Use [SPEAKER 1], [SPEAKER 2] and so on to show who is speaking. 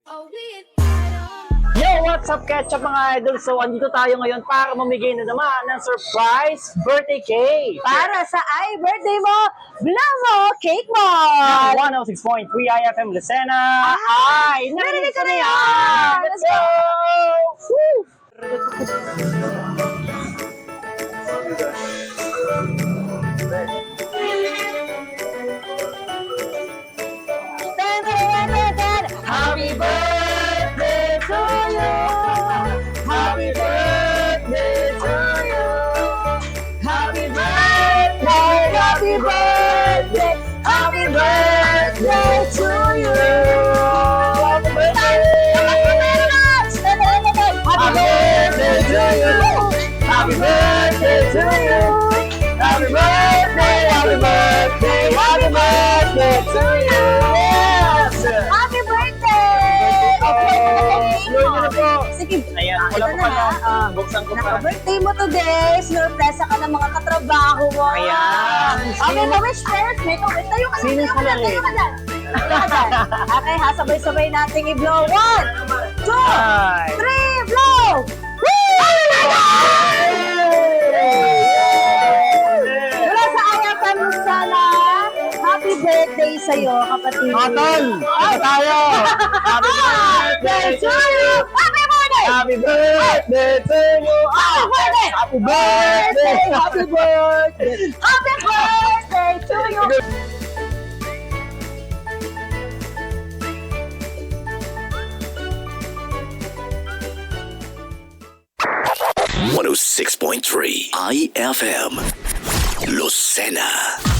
[SPEAKER 1] Yo, what's up, Ketchup mga idol? So, andito tayo ngayon para mamigay na naman ng surprise birthday cake.
[SPEAKER 2] Para sa birthday mo, Blamo Cake mo!
[SPEAKER 1] 106.3 IFM Lucena. Ay, narinig ko na yan!
[SPEAKER 2] yan!
[SPEAKER 1] Let's go! Woo! Happy birthday to you! Happy birthday to you! Happy birthday! Happy birthday! Happy birthday to you! Happy birthday! Happy birthday to you! Happy birthday to you! Happy birthday! Happy birthday! Happy birthday to you! Yes!
[SPEAKER 2] Happy birthday!
[SPEAKER 1] Slow nyo na po.
[SPEAKER 2] Sige,
[SPEAKER 1] Ayan, wala
[SPEAKER 2] ito
[SPEAKER 1] pa pala.
[SPEAKER 2] na.
[SPEAKER 1] Buksan ko pa.
[SPEAKER 2] Naka-birthday mo today. Sinurpresa ka ng mga katrabaho mo.
[SPEAKER 1] Ayan.
[SPEAKER 2] Okay, pa-wish first. May pa-wish. Tayo ka
[SPEAKER 1] Sino
[SPEAKER 2] tayo ka
[SPEAKER 1] sila
[SPEAKER 2] dyan, tayo
[SPEAKER 1] eh?
[SPEAKER 2] ka dyan. Tayo ka dyan. Okay, ha? Sabay-sabay nating i-blow. 1, 2,
[SPEAKER 1] Ay.
[SPEAKER 2] 3, blow! Mula sa Ayatan Lucena, happy birthday sa'yo, kapatid.
[SPEAKER 1] Otol! Ito tayo! Happy birthday to you!
[SPEAKER 2] Happy birthday!
[SPEAKER 1] Happy birthday to you!
[SPEAKER 2] Happy birthday!
[SPEAKER 1] Happy birthday! Happy birthday!
[SPEAKER 2] Happy birthday to you!
[SPEAKER 3] 106.3 IFM Lucena.